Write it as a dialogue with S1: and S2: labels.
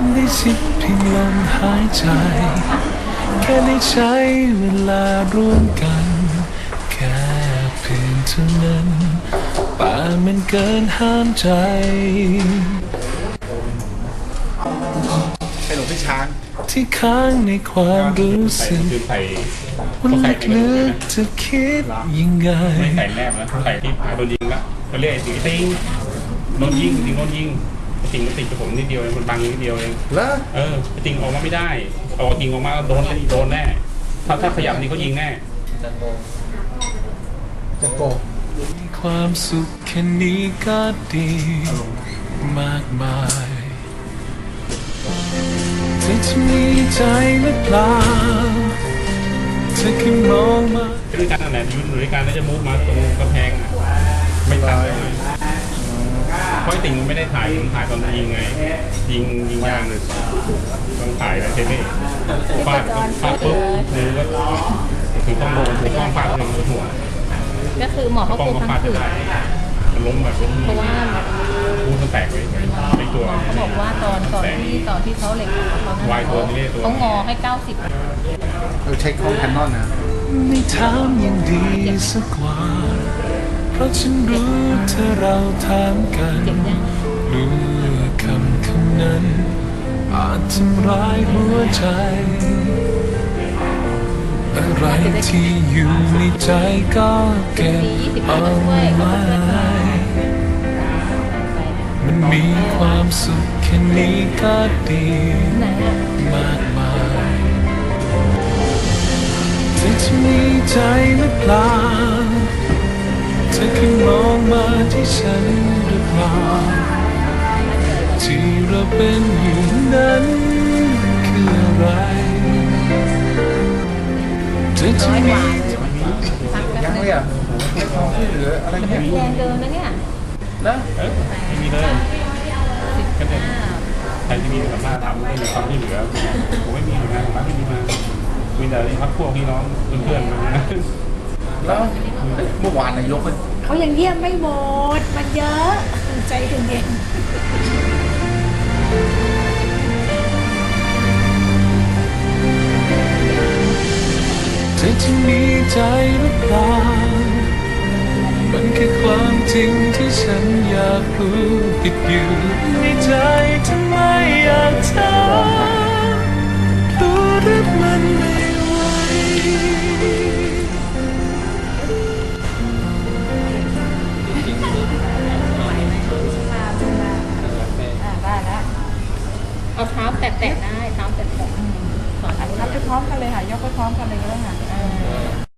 S1: ได้ชิดเพียงลมหายใจแค่ได้ใช้เวลาร่วมกันแค่เพียงเท่านั้นป่ามันเกินห้ามใจ
S2: ให้หลวงพี่ช้าง
S1: ที่ค้างในความรู้สึกว่าลึกๆจะคิดยังไง
S3: ไม่ใส่แนบนะใส่ที่พาโดนยิงละก็เรียกไอ้ติงติงโดนยิงติงโดนยิงติงมันติดกับผมนิดเดียวเองมันบังนิดเดียวเอง
S2: แล้ว
S3: ติงออกมาไม่ได้เอาติงออกมาโดนแน่ถ้าขยับนี่เขายิงแน่
S2: จะโก
S1: มีความสุขแค่นี้ก็ดีมากมายเธอจะมีใจหรือเปล่าเธอแค่มองมา
S3: ด้วยการนั่นแหละยืนอยู่ด้วยกันแล้วจะมุกมาตรงกระแพงไม่ทันเลยเพราะติงไม่ได้ถ่ายตอนยิงไงยิงยางเลยต้องถ่ายแล้วใช่ไหมฟาดปุ๊บมือก็ถือต้องโดนถือต้องฟาดเลยหัว
S4: ก็คือหมอเขากลัวพังผืด
S3: ล้มแบบ
S4: เพราะว่า
S3: พูดมันแตกเลยในตัว
S4: เขาบอกว่าตอนที่เขาเหล็กเขางอให้90
S2: ใช้ของแคนนอนนะ
S1: ไม่ถามยังดีสักว่าเพราะฉันรู้เธอเราถามกันรู้ว่าคำนั้นอาจทำร้ายหัวใจอะไรที่อยู่ในใจก็เก็บเอาไว้มันมีความสุขแค่นี้ก็ดีมากมายเธอจะมีใจหรือเปล่าเธอแค่มองมาที่ฉันหรือเปล่าที่เราเป็นอยู่นั้นคืออะไรเธอจะมี
S2: ยังไม่อ่ะไม่ท้องที่เหลืออะไรเงี้ย
S4: แรงเดินนะเนี่ย
S3: แล้วไม่มีเลยก็เนี่ยใครที่มีสัมภาษณ์ทำไม่มีความที่เหลือผมไม่มีหน่วยงานของรัฐที่มีมามีแต่พักพวกพี่น้องเพื่อนๆมา
S2: แล้วเมื่อวานนายก
S5: เขายังเยี่ยมไม่หมดมันเยอะใจถึงเอง
S1: เธอจะมีใจหรือเปล่ามันแค่ความจริงที่ฉันอยากรู้ติดอยู่ในใจทำไมอยากถามรู้หรือมันไม่ไหว
S4: ได้แล้วเอาเท้าแตะได้เท้าแตะ
S5: ทำไปพร้อมกันเลยค่ะยกไปพร้อมกันเลยก็ได้ค่ะ